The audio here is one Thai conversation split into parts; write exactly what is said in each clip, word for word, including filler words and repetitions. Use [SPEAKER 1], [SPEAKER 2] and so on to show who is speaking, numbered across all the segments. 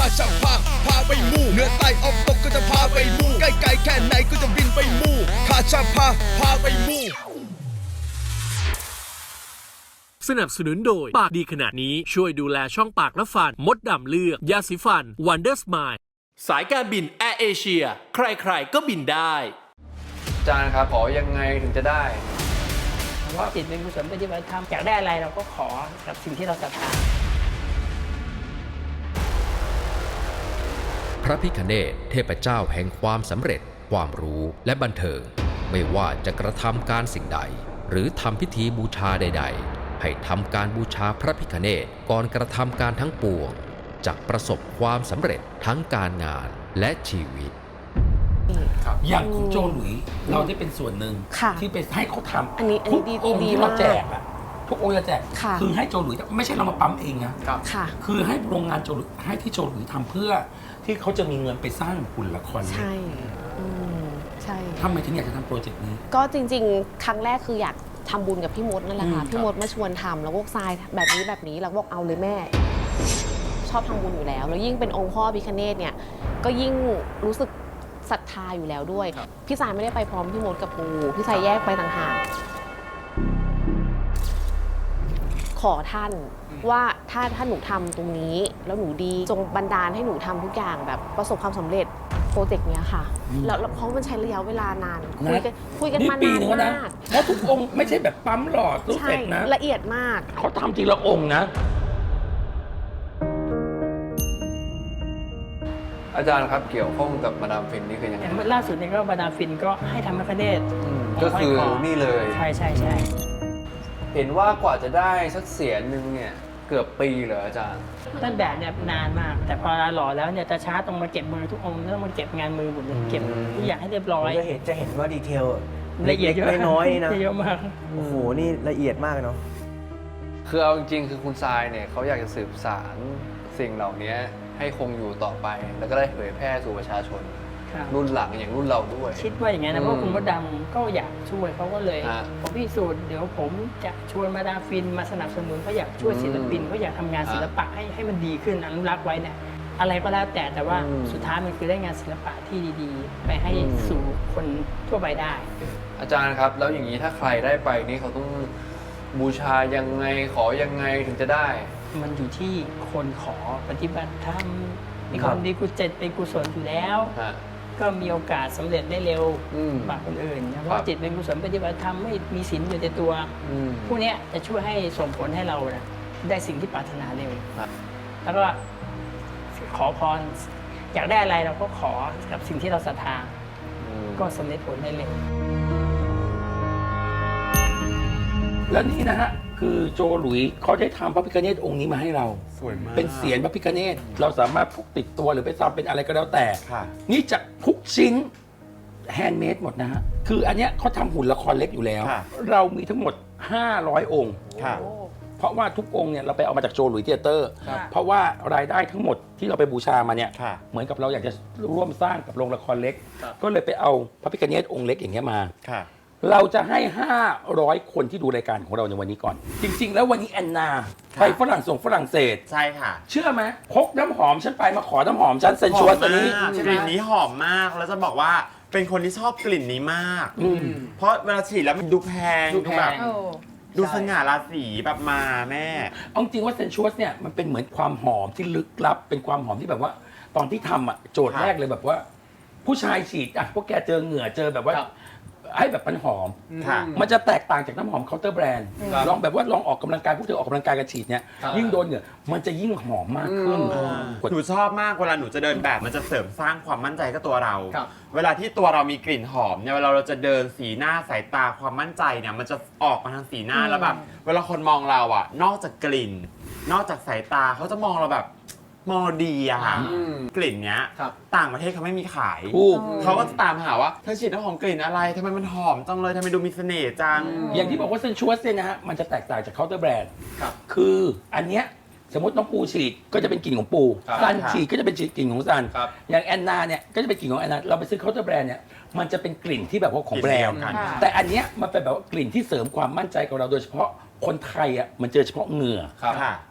[SPEAKER 1] จะพาพาไปมู่เหนือใต้ออกตกก็จะพาไปมู่ใกล้ไกลแค่ไหนก็จะบินไปมู่ข้าจะพาพาไปมู่
[SPEAKER 2] สนับสนุนโดยปากดีขนาดนี้ช่วยดูแลช่องปากและฟันมดดำเลือกยาสีฟัน Wonder Smile สายการบินแอร์เอเชียใครๆก็บินได้
[SPEAKER 3] อาจารย์ครับขอยังไงถึงจะได้
[SPEAKER 4] เพราะจิตเป็นกุศลปฏิบัติธรรมอยากได้อะไรเราก็ขอกับสิ่งที่เราศรัทธา
[SPEAKER 5] พระพิฆเนศเทพเจ้าแห่งความสำเร็จความรู้และบันเทิงไม่ว่าจะกระทำการสิ่งใดหรือทำพิธีบูชาใดๆให้ทำการบูชาพระพิฆเนศก่อนกระทำการทั้งปวงจะประสบความสำเร็จทั้งการงานและชีวิต
[SPEAKER 6] อย่างของโจหลุยเราได้เป็นส่วนหนึ่งที่ไปให้เขาทำ
[SPEAKER 4] อันนี้อันนี้ดี
[SPEAKER 6] องค์ที่เราแจกอะทุกองค์จะแจก
[SPEAKER 4] ค่ะ
[SPEAKER 6] คือให้โจหลุยไม่ใช่เรามาปั๊มเองนะ
[SPEAKER 4] ค่ะ
[SPEAKER 6] คือให้โรงงานโจหลุยให้ที่โจหลุยทำเพื่อที่เขาจะมีเงินไปสร้างหุ่นละคร
[SPEAKER 4] ใช่อืมใช่
[SPEAKER 6] ทำไมถึงอยากจะทำโปรเจกต์นี้
[SPEAKER 4] ก็จริงๆ ครั้งแรกคืออยากทำบุญกับพี่มดนั่นแหละค่ะ
[SPEAKER 6] อืม
[SPEAKER 4] พี่มดมาชวนทำแล้วก็ทรายแบบนี้แบบนี้เราก็บอกเอาเลยแม่ ชอบทำบุญอยู่แล้วแล้วยิ่งเป็นองค์พ่อพิฆเนศเนี่ยก็ยิ่งรู้สึกศรัทธาอยู่แล้วด้วยพี่สายไม่ได้ไปพร้อมพี่มดกับปูพี่สายแยกไปต่างหากขอท่านว่าถ้าถ้าหนูทำตรงนี้แล้วหนูดีจงบันดาลให้หนูทำทุกอย่างแบบประสบความสำเร็จโปรเจกต์เนี้ยค่ะแล้วเพราะมันใช้ระยะเวลานานคุยกันคุยกันมานานมาก
[SPEAKER 6] เพราะทุกองค์ไม่ใช่แบบปั๊มหลอดรู้เสร็จนะ
[SPEAKER 4] ละเอียดมาก
[SPEAKER 6] เขาทำทีละองค์นะ
[SPEAKER 3] อาจารย์ครับเกี่ยวข้องกับมาดามฟินนี่คือยังไง
[SPEAKER 4] ล่าสุดเนี่ยก็มาดามฟินก็ให้ทำพระคเนศ
[SPEAKER 3] ก็คือนี่เลย
[SPEAKER 4] ใช่ใช่ใช่
[SPEAKER 3] เห็นว่ากว่าจะได้สักเสียนหนึ่งเนี่ยเกือบปีเหรออาจารย์
[SPEAKER 4] ต้นแบบเนี่ยนานมากแต่พอหล่อแล้วเนี่ยจะช้าตรงมาเก็บมือทุกองค์ต้องมาเก็บงานมือหมดเลยเก็บทุกอย่างให้เรียบร้อย
[SPEAKER 7] จะเห็นจะเห็นว่าดีเทล
[SPEAKER 4] ละเอียด
[SPEAKER 7] น้อยๆนะ
[SPEAKER 4] เยอะมาก
[SPEAKER 7] โอ้โหนี่ละเอียดมากเนาะ
[SPEAKER 3] คือเอาจริงๆคือคุณทรายเนี่ยเขาอยากจะสืบสารสิ่งเหล่านี้ให้คงอยู่ต่อไปแล้วก็ได้เผยแพร่สู่ประชาชนรุ่นหลังอย่างรุ่นเราด้วย
[SPEAKER 4] คิดว่าอย่างนั้นนะเพราะคุณมดดำก็อยากช่วยเขาก็เลยผมพิสูจน์เดี๋ยวผมจะชวนมาดามฟินมาสนับสนุนเขาอยากช่วยศิลปินเขาอยากทำงานศิลปะให้ให้มันดีขึ้นอนุรักษ์ไว้เนี่ยอะไรก็แล้วแต่แต่ว่าสุดท้ายมันคือได้งานศิลปะที่ดีๆไปให้สู่คนทั่วไปได้
[SPEAKER 3] อาจารย์ครับแล้วอย่างนี้ถ้าใครได้ไปนี่เขาต้องบูชายังไงขอยังไงถึงจะได้
[SPEAKER 4] มันอยู่ที่คนขอปฏิบัติธรรมมีความดีกุศลเป็นกุศลอยู่แล้วก็มีโอกาสสำเร็จได้เร็วกว่าคนอื่นเพราะจิตเป็นกุศลปฏิบัติธรรมไม่มีศีลอยู่ในตัวพวกนี้จะช่วยให้ส่งผลให้เราได้สิ่งที่ปรารถนาเร็วแล้วก็ขอพรอยากได้อะไรเราก็ขอกับสิ่งที่เราศรัทธาก็สำเร็จผลได้เร็ว
[SPEAKER 6] แล้วนี่นะฮะคือโจหลุยเขาได้ทำพระพิฆเนศองค์นี้มาให้เราสวยมากเป็นเสียรพระพิฆเนศเราสามารถพกติดตัวหรือไปทำเป็นอะไรก็แล้วแต่นี่จะทุกชิ้นแฮนด์เมดหมดนะฮะคืออันเนี้ยเขาทำหุ่นละครเล็กอยู่แล้วเรามีทั้งหมดห้าร้อยองค์เพราะว่าทุกองค์เนี่ยเราไปเอามาจากโจหลุยเธียเตอร์เพราะว่ารายได้ทั้งหมดที่เราไปบูชามาเนี่ยเหมือนกับเราอยากจะร่วมสร้างกับโรงละครเล็กก็เลยไปเอาพระพิฆเนศองค์เล็กอย่างเงี้ยมาเราจะให้ห้าร้อยคนที่ดูรายการของเราในวันนี้ก่อนจริงๆแล้ววันนี้แอนนาไปฝรั่งส่งฝรั่งเศส
[SPEAKER 8] ใช่ค่ะ
[SPEAKER 6] เชื่อไหมพกน้ำหอมฉันไปมาขอน้ำหอมฉันเซนชวสตัวนี้
[SPEAKER 8] กลิ่นนี้หอมมากแล้วจะบอกว่าเป็นคนที่ชอบกลิ่นนี้มากเพราะเวลาฉีดแล้วมันดูแพงดูแบบดูสง่าราศีแบบมาแม่
[SPEAKER 6] เอาจริงว่าเซนชวสเนี่ยมันเป็นเหมือนความหอมที่ลึกลับเป็นความหอมที่แบบว่าตอนที่ทำอ่ะโจทย์แรกเลยแบบว่าผู้ชายฉีดอ่ะพวกแกเจอเหงื่อเจอแบบว่าให้แบบมันหอมมันจะแตกต่างจากน้ำหอมเคาน์เตอร์แบรนด์ลองแบบว่าลองออกกำลังกายพวกเธอออกกำลังกายกันฉีดเนี่ยยิ่งโดนเหงื่อมันจะยิ่งหอมมากขึ้น
[SPEAKER 8] หนูชอบมากเวลาหนูจะเดินแบบมันจะเสริมสร้างความมั่นใจกับตัวเราเวลาที่ตัวเรามีกลิ่นหอมเนี่ยเวลาเราจะเดินสีหน้าสายตาความมั่นใจเนี่ยมันจะออกมาทางสีหน้าแล้วแบบเวลาคนมองเราอ่ะนอกจากกลิ่นนอกจากสายตาเขาจะมองเราแบบมอดีอะค่ะกลิ่นเนี้ยต่างประเทศเขาไม่มีขายเขาก็จะตามหาว่าเธอฉีดน้ำหอมกลิ่นอะไรทำไมมันหอมจังเลยทำไมดูมีเสน่ห์จัง
[SPEAKER 6] อย่างที่บอกว่าเซนชวสเนี่ยนะฮะมันจะแตกต่างจากเคาน์เตอร์แบรนด์คืออันเนี้ยสมมติน้องปูฉีดก็จะเป็นกลิ่นของปูซันฉีดก็จะเป็นกลิ่นของซันอย่างแอนนาเนี่ยก็จะเป็นกลิ่นของแอนนาเราไปซื้อเคาน์เตอร์แบรนด์เนี่ยมันจะเป็นกลิ่นที่แบบว่าของแบรนด์แต่อันเนี้ยมันเป็นแบบว่ากลิ่นที่เสริมความมั่นใจของเราโดยเฉพาะคนไทยอ่ะมันเจอเฉพาะเหงื่อ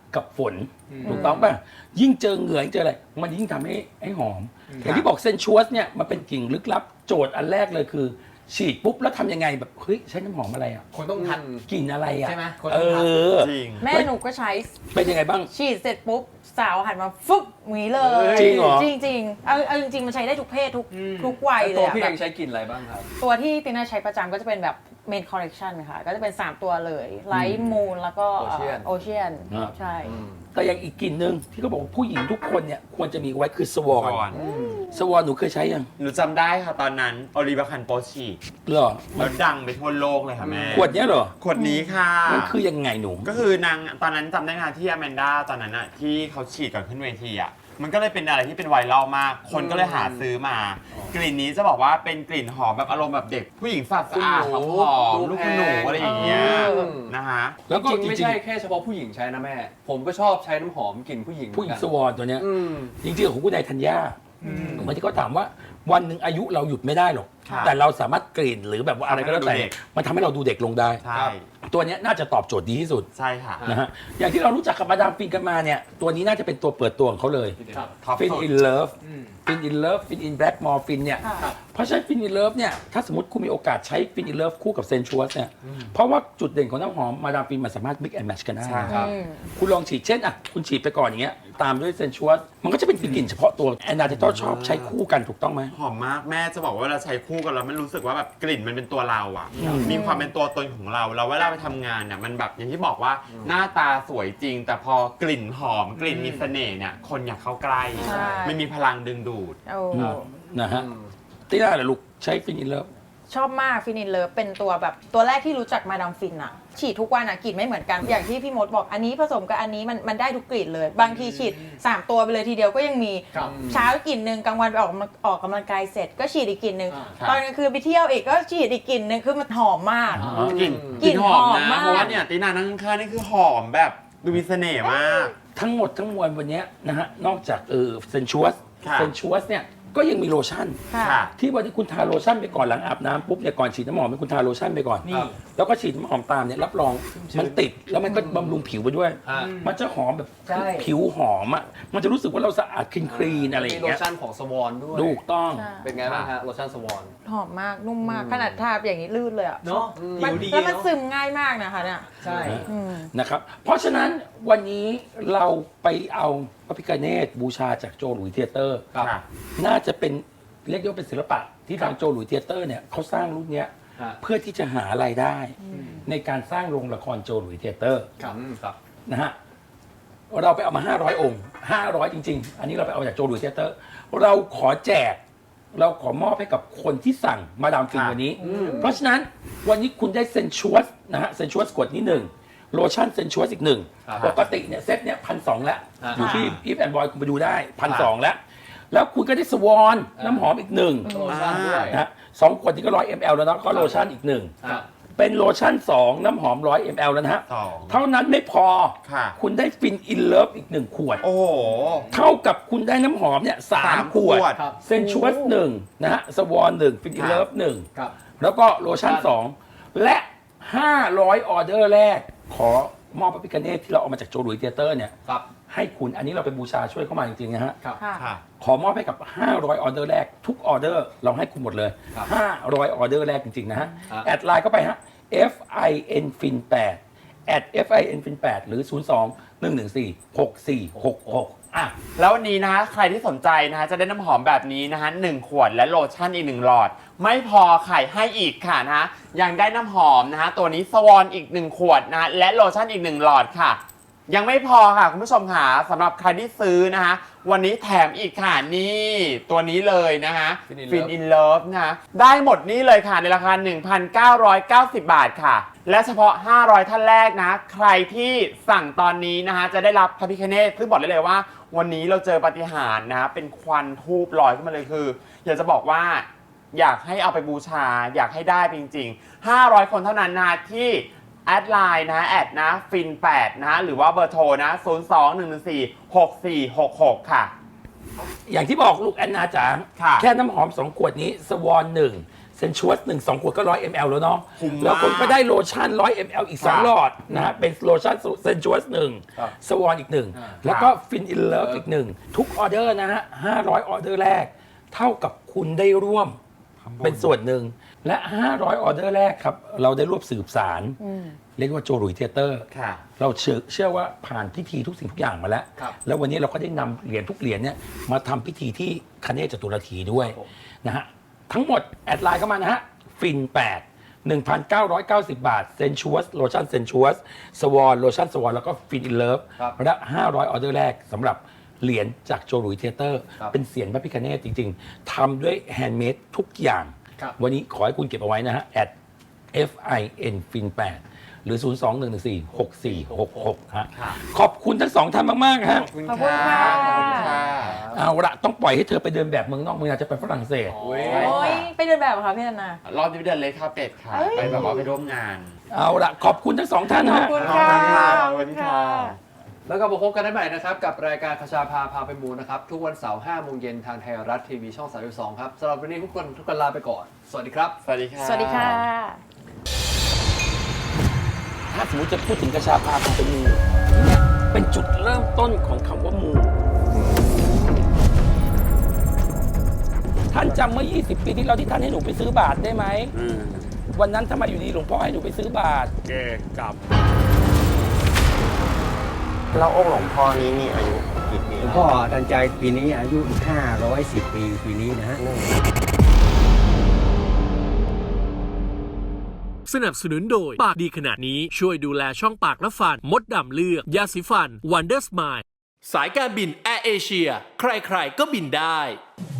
[SPEAKER 6] กับฝนถูกต้องป่ะยิ่งเจอเหงื่อยิ่งเจออะไรมันยิ่งทำให้ให้หอมอย่างที่บอกเซนชัวสเนี่ยมันเป็นกลิ่นลึกลับโจทย์อันแรกเลยคือ ฉีดปุ๊บแล้วทำยังไงแบบเฮ้ยใช้น้ำหอมอะไรอ่ะ
[SPEAKER 9] คนต้องทัด
[SPEAKER 6] กลิ่นอะไรอ่ะ
[SPEAKER 9] ใช่ไหมคน
[SPEAKER 6] เอ
[SPEAKER 9] ต้องทัด
[SPEAKER 6] อ
[SPEAKER 8] จริง
[SPEAKER 10] แม่หนูก็ใช้
[SPEAKER 6] เป็นยังไงบ้าง
[SPEAKER 10] ฉีดเสร็จปุ๊บสาวหันมาฟึบหวีเลย
[SPEAKER 6] จริงเหรอ
[SPEAKER 10] จริงจริงๆเอาเอาจริงๆมันใช้ได้ทุกเพศทุกทุกวัยเล
[SPEAKER 3] ตั
[SPEAKER 10] ยว อะ
[SPEAKER 3] พี่
[SPEAKER 10] แบ
[SPEAKER 3] เอบ งใช้กลิ่นอะไรบ้างครับ
[SPEAKER 10] ตัวที่ตินาใช้ประจำก็จะเป็นแบบเมนคอลเล t ชันค่ะ ก็จะเป็น สาม ตัวเลยไลท์มูนแล้วก็
[SPEAKER 3] Ocean
[SPEAKER 10] โอเชียนใช่
[SPEAKER 6] แต่อย่างอีกกลิ่นหนึ่งที่เขาบอกว่าผู้หญิงทุกคนเนี่ยควรจะมีไว้คือสวอ
[SPEAKER 8] ก่อน น
[SPEAKER 6] สวอนหนูเคยใช้ยัง
[SPEAKER 8] หนูจำได้ค่ะตอนนั้นโอลิเวอร์คันโปฉีด
[SPEAKER 6] เหรอ
[SPEAKER 8] แล้วดังไปทั่วโลกเลยค่ะแม่
[SPEAKER 6] ขวดเนี้ยเหรอ
[SPEAKER 8] ขวดนี้ค่ะ
[SPEAKER 6] มันคือยังไงหนู
[SPEAKER 8] ก็คือนางตอนนั้นจำได้งานที่อแมนด้าตอนนั้นอะที่เขาฉีดก่อนขึ้นเวทีอะมันก็เลยเป็นอะไรที่เป็นไวรัลมาก คนก็เลยหาซื้อมา กลิ่นนี้จะบอกว่าเป็นกลิ่นหอมแบบอารมณ์แบบเด็ก ผู้หญิงสะอาดสะอาดหอมหอม
[SPEAKER 3] ดู
[SPEAKER 8] ลูก
[SPEAKER 3] แพ
[SPEAKER 8] คุณ
[SPEAKER 3] ง
[SPEAKER 8] หนูอะไรอย่างเงี้ย
[SPEAKER 3] อืม
[SPEAKER 8] นะคะ
[SPEAKER 6] แล้วก็
[SPEAKER 3] จริงๆไม่
[SPEAKER 6] จริง
[SPEAKER 3] ใช่แค่เฉพาะผู้หญิงใช้นะแม่ ผมก็ชอบใช้น้ำหอมกลิ่นผู้หญิง
[SPEAKER 6] ๆผู้หญิง
[SPEAKER 3] เห
[SPEAKER 6] ส
[SPEAKER 3] มือน
[SPEAKER 6] ว
[SPEAKER 3] กัน
[SPEAKER 6] อนตัวเนี้ย
[SPEAKER 3] อืม
[SPEAKER 6] จริงๆของคุณนายธัญญาเหมือนที่เขาถามว่าวันหนึ่งอายุเราหยุดไม่ได้หรอก
[SPEAKER 8] ค่ะ
[SPEAKER 6] แต่เราสามารถกลิ่นหรือแบบว่าอะไรก็แล้วแต่
[SPEAKER 8] ทำให้เราดูเด็ก
[SPEAKER 6] มันทำให้เราดูเด็กลงได้
[SPEAKER 8] ใช่
[SPEAKER 6] ตัวเนี้ยน่าจะตอบโจทย์ดีที่สุด
[SPEAKER 8] ใช่ค่ะ
[SPEAKER 6] นะฮะอย่างที่เรารู้จักกับมาดามฟินกันมาเนี่ยตัวนี้น่าจะเป็นตัวเปิดตัวของเขาเลย
[SPEAKER 8] ท็อป
[SPEAKER 6] ฟิน
[SPEAKER 8] สุด
[SPEAKER 6] อินเลิฟฟินอินเลิฟฟินอินแบล็กมอร์ฟินเนี่ย
[SPEAKER 10] ค่ะ
[SPEAKER 6] เพราะฉะนั้นฟินอินเลิฟเนี่ยถ้าสมมติคุณมีโอกาสใช้ฟินอินเลิฟคู่กับเซนชัวสเนี่ยเพราะว่าจุดเด่นของน้ำหอมมาดามฟินมันสามารถ mix and match กันได้
[SPEAKER 8] ใช่ครับ
[SPEAKER 10] อืม
[SPEAKER 6] คุณลองฉีดเช่นอ่ะคุณฉีดไปก่อนอย่างเงี้ยตามด้วยเซนชัวสมันก็จะเป็นกลิ่นเฉพาะตัวแอนนาจะต้องชอบใช้คู่กันถูกต้องไหม
[SPEAKER 8] หอมมากแม่จะบอกว่าเวลาใช้คู่กันแล้วมันรู้สึกว่าแบบกลิ่นมันเป็นตัวเราอ่ะ มีความเป็นตัวตนของเราเราเวลาไปทำงานเนี่ยมันแบบอย่างที่บอกว่าหน้าตาสวยจริง แต่พอกลิ่นหอมกลิ่นมีเสน่ห์เนี่ยคนอยากเข้าใกล้
[SPEAKER 10] ใช่
[SPEAKER 8] ไม่มีพลังดึงดูด
[SPEAKER 10] โอ้
[SPEAKER 6] นะฮะตีน่าเหรอลูกใช้ฟินอินเลิฟ
[SPEAKER 10] ชอบมากฟินินเลิฟเป็นตัวแบบตัวแรกที่รู้จักมาดามฟินอะฉีดทุกวันอะกลิ่นไม่เหมือนกันอย่างที่พี่มดบอกอันนี้ผสมกับอันนี้มันมันได้ทุกกลิ่นเลย บางทีฉีดสามตัวไปเลยทีเดียวก็ยังมี
[SPEAKER 9] ครับ
[SPEAKER 10] เช้ากลิ่นหนึ่งกลางวันไปออกกำลังออกกำลังกายเสร็จก็ฉีดอีกกลิ่นหนึ่ง
[SPEAKER 8] ครับ
[SPEAKER 10] ตอนกลางคืนไปเที่ยวอีกก็ฉีดอีกกลิ่นหนึ่งคือมันหอมมาก
[SPEAKER 8] กลิ่น
[SPEAKER 10] กลิ่น
[SPEAKER 8] หอม
[SPEAKER 10] หอม
[SPEAKER 8] นะ
[SPEAKER 10] มาก
[SPEAKER 8] เพราะว่าเนี่ยตีนานั่งข้างๆนี่คือหอมแบบดูมีเสน่ห์มาก
[SPEAKER 6] ทั้งหมดทั้งมวลวันเนี้ยนะฮะนอกจากเออเซนชัวส
[SPEAKER 8] ค่ะ
[SPEAKER 6] เซนชัวสเนี่ยก็ยังมีโลชั่น
[SPEAKER 10] ค่ะ
[SPEAKER 8] ค่ะ
[SPEAKER 6] ที่วันที่คุณทาโลชั่นไปก่อนหลังอาบน้ำปุ๊บเนี่ยก่อนฉีดน้ำหอมให้คุณทาโลชั่นไปก่อน
[SPEAKER 9] นี่
[SPEAKER 6] แล้วก็ฉีดน้ำหอมตามเนี่ยรับรองมันติดแล้วมันก็บำรุงผิวไปด้วย
[SPEAKER 3] ฮะ
[SPEAKER 6] มันจะหอมแบบ
[SPEAKER 9] ใช่
[SPEAKER 6] ผิวหอมอ่ะมันจะรู้สึกว่าเราสะอาดคลีนคลีนอะไรอ
[SPEAKER 3] มี
[SPEAKER 6] ย่าง
[SPEAKER 3] โล
[SPEAKER 6] เงี้ย
[SPEAKER 3] ชั่นของสวอนด้วย
[SPEAKER 6] ถูกต้อง
[SPEAKER 10] ใช่
[SPEAKER 3] เป็นไงบ้างฮะโลชั่นสวอน
[SPEAKER 10] หอมมากนุ่มมากขนาดทาอย่างนี้ลื่นเลยอะ
[SPEAKER 9] เนาะ
[SPEAKER 10] มั
[SPEAKER 9] ผิ
[SPEAKER 10] น
[SPEAKER 9] วดี
[SPEAKER 10] แล้วมัน
[SPEAKER 9] เนาะ
[SPEAKER 10] ซึมง่ายมากนะคะเนี่ย
[SPEAKER 9] ใช่
[SPEAKER 10] อืม
[SPEAKER 6] นะครับเพราะฉะนั้นวันนี้เราไปเอาพระพิฆเนศบูชาจากโจหลุยเทียเตอร์
[SPEAKER 8] ค่ะ
[SPEAKER 6] น่าจะเป็นเรียกได้ว่าเป็นศิลปะที่ทางโจหลุยเทียเตอร์เนี่ยเขาสร้างรุ่นเนี้ย
[SPEAKER 3] ฮะ
[SPEAKER 6] เพื่อที่จะหารายได้ ในการสร้างโรงละครโจหลุยเทียเตอร์
[SPEAKER 3] ครับครับ
[SPEAKER 6] นะฮะเราไปเอามา ห้าร้อย องค์ ห้าร้อย จริง ๆ อันนี้เราไปเอาจากโจหลุยเทียเตอร์ เราขอแจก เราขอมอบให้กับคนที่สั่งมาดามฟิน
[SPEAKER 8] ค่ะ
[SPEAKER 6] วันนี้ เพราะฉะนั้นวันนี้คุณได้เซนชัวสนะฮะเซนชัวสกดนี้หนึ่งโลชั่นเซนชัวสอีกหนึ่ง
[SPEAKER 3] ครับ
[SPEAKER 6] ปกติเนี่ยเซตเนี่ยพันสองแล้ว
[SPEAKER 3] อ่า
[SPEAKER 6] อยู่ที่อีฟแอนด์บอยคุณไปดูได้พันสองแล้ว แล้วคุณก็ได้สวอนน้ำหอมอีกหนึ่ง
[SPEAKER 3] โลชั่นด้วย
[SPEAKER 6] นะฮะสองขวดนี้ก็ร้อยมลแล้วเนาะก็โลชั่นอีกหนึ่ง
[SPEAKER 3] ครับ
[SPEAKER 6] เป็นโลชั่นสองน้ำหอมร้อยมลแล้วนะฮะ
[SPEAKER 8] สอง
[SPEAKER 6] เท่านั้นไม่พอ
[SPEAKER 8] ค่ะ
[SPEAKER 6] คุณได้ฟินอินเลิฟอีกหนึ่งขวด
[SPEAKER 8] โอ้โห
[SPEAKER 6] เท่ากับคุณได้น้ำหอมเนี่ยสา
[SPEAKER 8] สาม ม
[SPEAKER 6] ขวด
[SPEAKER 8] ขวด
[SPEAKER 3] ครับ
[SPEAKER 6] เซนชัวสหนึ่งนะฮะสวอนหนึ่งฟินอินเลิฟหนึ่ง
[SPEAKER 3] ครับ
[SPEAKER 6] แล้วก็โลชั่นสองและ ห้าร้อย ออเดอร์แรก ขอมอบพระพิฆเนศที่เราเอามาจากโจหลุยเทียเตอร์เนี่ย
[SPEAKER 3] ครับ
[SPEAKER 6] ให้คุณอันนี้เราเป็นบูชาช่วยเข้ามาจริงๆนะฮะ
[SPEAKER 3] ครับ
[SPEAKER 10] ค่ะ
[SPEAKER 8] ค่ะ
[SPEAKER 6] ขอมอบให้กับ ห้าร้อย ออเดอร์แรก ทุกออเดอร์เราให้คุณหมดเลย
[SPEAKER 3] ครับ
[SPEAKER 6] ห้าร้อย ออเดอร์แรกจริงๆนะฮะ
[SPEAKER 3] ครับ
[SPEAKER 6] แอดไลน์เข้าไปฮะ F I N Fin แปด แอด F I N Fin แปดหรือ ศูนย์ สอง หนึ่ง หนึ่ง สี่ หก สี่ หก หกอ่ะ
[SPEAKER 8] แล้ววันนี้นะใครที่สนใจนะจะได้น้ำหอมแบบนี้นะฮะหนึ่งขวดและโลชั่นอีกหนึ่งหลอด ไม่พอไข่ให้อีกค่ะนะฮะยังได้น้ำหอมนะฮะตัวนี้สวอนอีกหนึ่งขวดนะและโลชั่นอีกหนึ่งหลอดค่ะ ยังไม่พอค่ะคุณผู้ชมค่ะสำหรับใครที่ซื้อนะฮะวันนี้แถมอีกค่ะนี่ตัวนี้เลยนะฮะ
[SPEAKER 3] Fin in
[SPEAKER 8] ฟิน
[SPEAKER 3] Love
[SPEAKER 8] อินเลิฟนะฮะได้หมดนี่เลยค่ะในราคา หนึ่งพันเก้าร้อยเก้าสิบ บาทค่ะ และเฉพาะ ห้าร้อย ท่านแรกนะ ใครที่สั่งตอนนี้นะฮะจะได้รับพระพิฆเนศซึ่งบอกได้เลยว่า วันนี้เราเจอปาฏิหาริย์นะฮะเป็นควันทูบลอยขึ้นมาเลยคือ อยากจะบอกว่า อยากให้เอาไปบูชา อยากให้ได้จริงๆ ห้าร้อย คนเท่านั้นนะที่แอดไลน์นะแอดนะฟินแปดนะหรือว่าเบอร์โทรนะ ศูนย์ สอง หนึ่ง หนึ่ง สี่ หก สี่ หก หก ค่ะ
[SPEAKER 6] อย่างที่บอกลูกแอนนาจ๋า
[SPEAKER 8] ค่ะ
[SPEAKER 6] แค่น้ำหอมสองขวดนี้สวอนหนึ่งเเซนชวสหนึ่งสองขวดก็ร้อยมลแล้วเนาะ
[SPEAKER 8] คุ้มมาก
[SPEAKER 6] แล้วคนก็ได้โลชั่นร้อยมลอีกสอง
[SPEAKER 8] ครับ
[SPEAKER 6] หลอดนะฮะเป็นโลชั่นเซนชวสหนึ่ง
[SPEAKER 3] ครับ
[SPEAKER 6] สวอนอีกหนึ่ง
[SPEAKER 3] อ่า
[SPEAKER 6] แล้วก็ฟินอินเลิฟอีกหนึ่งทุกออเดอร์นะฮะห้าร้อยออเดอร์แรก เท่ากับคุณได้ร่วมเป็นส่วนหนึ่งและห้าร้อยออเดอร์แรกครับเราได้ร่วมสืบสารเรียกว่าโจหลุยเทเตอร์
[SPEAKER 8] ค่ะ
[SPEAKER 6] เราเชื่อเชื่อว่าผ่านพิธีทุกสิ่งทุกอย่างมาแล้ว
[SPEAKER 3] ครับ
[SPEAKER 6] แล้ววันนี้เราก็ได้นำเหรียญทุกเหรียญเนี่ยมาทำพิธีที่คเนศจตุรธีด้วย
[SPEAKER 3] ครับผม
[SPEAKER 6] นะฮะทั้งหมดแอดไลน์เข้ามานะฮะฟินแปด หนึ่งพันเก้าร้อยเก้าสิบบาทเซนชวสโลชั่นเซนชวสสวอนโลชั่นสวอนแล้วก็ฟินอินเลิฟ
[SPEAKER 3] ครับ
[SPEAKER 6] และห้าร้อยออเดอร์แรกสำหรับเหรียญจากโจหลุยเทเตอร์
[SPEAKER 3] ครับ
[SPEAKER 6] เป็นเสียงพระพิฆเนศจริง ๆทำด้วยแฮนด์เมดทุกอย่าง
[SPEAKER 3] ครับ
[SPEAKER 6] วันนี้ขอให้คุณเก็บเอาไว้นะฮะ at fin fin แปดหรือ ศูนย์ สอง หนึ่ง หนึ่ง สี่ หก สี่ หก หก ฮะ
[SPEAKER 8] ครับ
[SPEAKER 6] ขอบคุณทั้งสองท่านมาก ๆ ฮะ
[SPEAKER 8] ขอบคุณ
[SPEAKER 10] ขอบคุณ
[SPEAKER 8] ค่ะ
[SPEAKER 10] ค่ะ
[SPEAKER 8] ขอบคุณค่ะ
[SPEAKER 6] เอาละต้องปล่อยให้เธอไปเดินแบบเมืองนอกเมืองนาจะไปฝรั่งเศส
[SPEAKER 8] โอ้ย
[SPEAKER 10] โอ้ยไปเดินแบบเหรอคะพี่ธนา
[SPEAKER 8] รอบนี้ไปเดินเลยค่ะเป็ดค่ะ
[SPEAKER 10] เอ้ย
[SPEAKER 8] ไปแบบว่าไปร่วมงาน
[SPEAKER 6] เอาละขอบคุณทั้งสองท่าน
[SPEAKER 10] ขอบ
[SPEAKER 6] ฮะ
[SPEAKER 10] คุณค่ะ
[SPEAKER 8] ขอบคุณค่ะ
[SPEAKER 3] แล้วก็มาพบกันได้ใหม่นะครับ กับรายการคชาพาพาไปมูนะครับ ทุกวันเสาร์ห้าโมงเย็นทางไทยรัฐทีวีช่องสามสิบสองครับสำหรับวันนี้ทุกคนทุกคนลาไปก่อน สวัสดีครับ
[SPEAKER 8] สวัสดีค่ะ
[SPEAKER 10] สวัสดีค่ะ
[SPEAKER 6] ถ้าสมมติจะพูดถึงกระชาพาพาไปมูเนี่ยเป็นจุดเริ่มต้นของคำว่ามู ท่านจำเมื่อ ยี่สิบ ปีที่แล้วที่ท่านให้หนูไปซื้อบาทได้ไหม วันนั้นทำไมอยู่ดีหลวงพ่อให้หนูไปซื้อบาท
[SPEAKER 8] เกกับ
[SPEAKER 9] แล้วองค์หลวงพ่อนี้มีอายุกี่ปี
[SPEAKER 11] หลวงพ่อทันใจปีนี้อายุห้าร้อยสิบปีปีนี้นะฮะ
[SPEAKER 2] สนับสนุนโดยปากดีขนาดนี้ช่วยดูแลช่องปากและฟันมดดำเลือกยาสีฟัน Wonder Smile สายการบินแอร์เอเชียใครๆก็บินได้